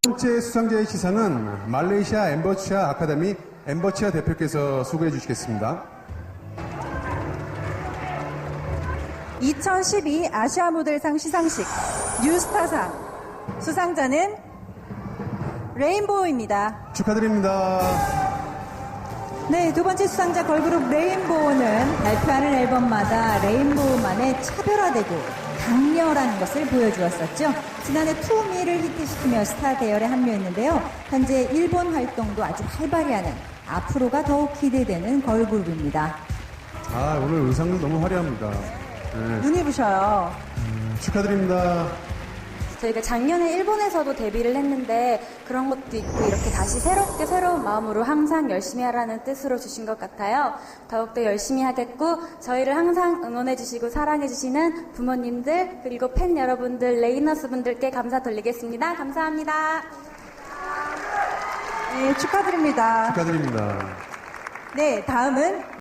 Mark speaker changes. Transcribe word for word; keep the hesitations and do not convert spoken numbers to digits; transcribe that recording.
Speaker 1: 첫 번째 수상자의 시상은 말레이시아 엠버치아 아카데미 엠버치아 대표께서 수고해 주시겠습니다.
Speaker 2: 이천십이 아시아 모델상 시상식 뉴스타상 수상자는 레인보우입니다.
Speaker 1: 축하드립니다.
Speaker 2: 네, 두 번째 수상자 걸그룹 레인보우는 발표하는 앨범마다 레인보우만의 차별화되고 강렬한 것을 보여주었었죠. 지난해 투미를 히트시키며 스타 대열에 합류했는데요. 현재 일본 활동도 아주 활발히 하는 앞으로가 더욱 기대되는 걸그룹입니다.
Speaker 1: 아, 오늘 의상도 너무 화려합니다. 네.
Speaker 2: 눈이 부셔요.
Speaker 1: 음, 축하드립니다.
Speaker 3: 저희가 작년에 일본에서도 데뷔를 했는데 그런 것도 있고 이렇게 다시 새롭게 새로운 마음으로 항상 열심히 하라는 뜻으로 주신 것 같아요. 더욱더 열심히 하겠고 저희를 항상 응원해 주시고 사랑해 주시는 부모님들 그리고 팬 여러분들 레이너스 분들께 감사 돌리겠습니다. 감사합니다.
Speaker 2: 네, 축하드립니다.
Speaker 1: 축하드립니다.
Speaker 2: 네, 다음은